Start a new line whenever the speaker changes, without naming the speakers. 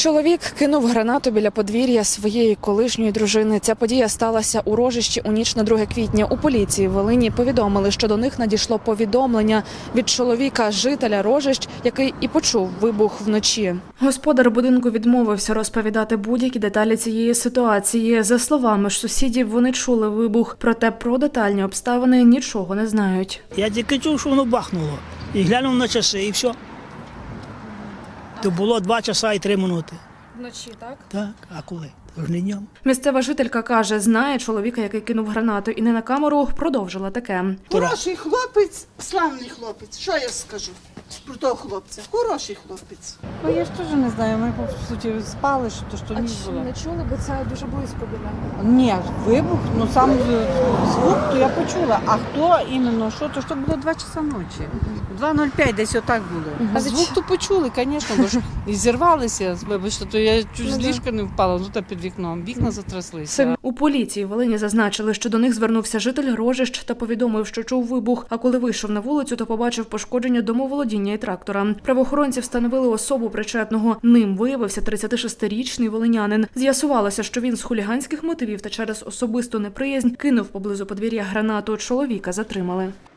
Чоловік кинув гранату біля подвір'я своєї колишньої дружини. Ця подія сталася у Рожищі у ніч на 2 квітня. У поліції Волині повідомили, що до них надійшло повідомлення від чоловіка, жителя Рожищ, який і почув вибух вночі. Господар будинку відмовився розповідати будь-які деталі цієї ситуації. За словами ж сусідів, вони чули вибух, проте про детальні обставини нічого не знають.
Я тільки чув, що воно бахнуло. І глянув на часи, і все. То було 2 часа і 3 минути.
Вночі, так?
Так, а коли? Тож не днем.
Місцева жителька каже, знає чоловіка, який кинув гранату, і не на камеру продовжила таке.
Хороший хлопець, славний хлопець. Що я скажу про того хлопця? Хороший хлопець.
Ну, я ж теж не знаю, ми, по суті, спали, що ніч було.
чули, бо це дуже близько біля?
Ні, вибух, ну сам звук, то я почула. А хто іменно, що, то було 2 часа ночі. 2:05 десь отак було. А звук то почули, звісно, бо ж і зірвалися, вибачте, то я чуть з ліжка не впала, ну та під вікном, вікна затряслися.
У поліції Волині зазначили, що до них звернувся житель Рожищ та повідомив, що чув вибух, а коли вийшов на вулицю, то побачив пошкодження домоволодіння і трактора. Правоохоронці встановили особу причетного. Ним виявився 36-річний волинянин. З'ясувалося, що він з хуліганських мотивів та через особисту неприязнь кинув поблизу подвір'я гранату. Чоловіка затримали.